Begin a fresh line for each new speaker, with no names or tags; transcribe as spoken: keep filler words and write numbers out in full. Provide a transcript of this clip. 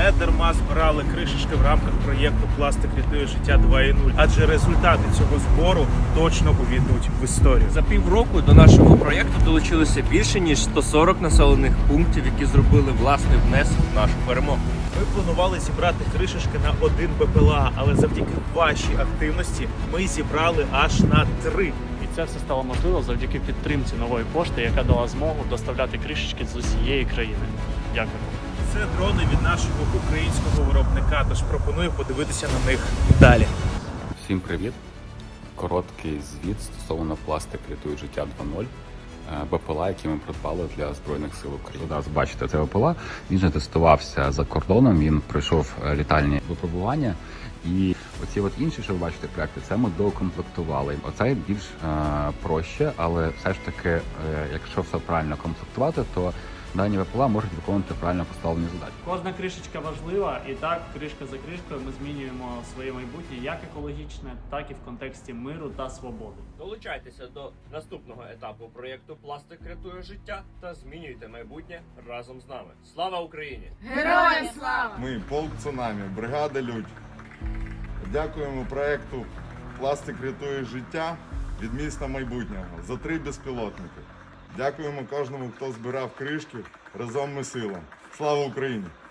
не дарма збирали кришечки в рамках проєкту «Пластик рятує життя два крапка нуль», адже результати цього збору точно увійдуть в історію.
За півроку до нашого проєкту долучилося більше ніж сто сорок населених пунктів, які зробили власний внесок в нашу перемогу.
Ми планували зібрати кришечки на один БПЛА, але завдяки вашій активності ми зібрали аж на три.
І це все стало можливо завдяки підтримці Нової пошти, яка дала змогу доставляти кришечки з усієї країни. Дякую.
Це дрони від нашого українського виробника, тож пропоную подивитися на них далі.
Всім привіт! Короткий звіт стосовно «Пластик рятує життя два крапка нуль». БПЛА, який ми придбали для Збройних сил України. Зараз бачите, це БПЛА. Він вже тестувався за кордоном, він пройшов літальні випробування. І оці от інші, що ви бачите, проекти, це ми доукомплектували. Оце більш е, проще, але все ж таки, е, якщо все правильно комплектувати, то дані БПЛА можуть виконувати правильно поставлені задачі.
Кожна кришечка важлива, і так, кришка за кришкою ми змінюємо своє майбутнє як екологічне, так і в контексті миру та свободи.
Долучайтеся до наступного етапу проєкту «Пластик рятує життя» та змінюйте майбутнє разом з нами. Слава Україні!
Героям слава!
Ми полк «Цунамі», бригада «Людь». Дякуємо проєкту «Пластик рятує життя» від міста майбутнього за три безпілотники. Дякуємо кожному, хто збирав кришки. Разом ми сила. Слава Україні!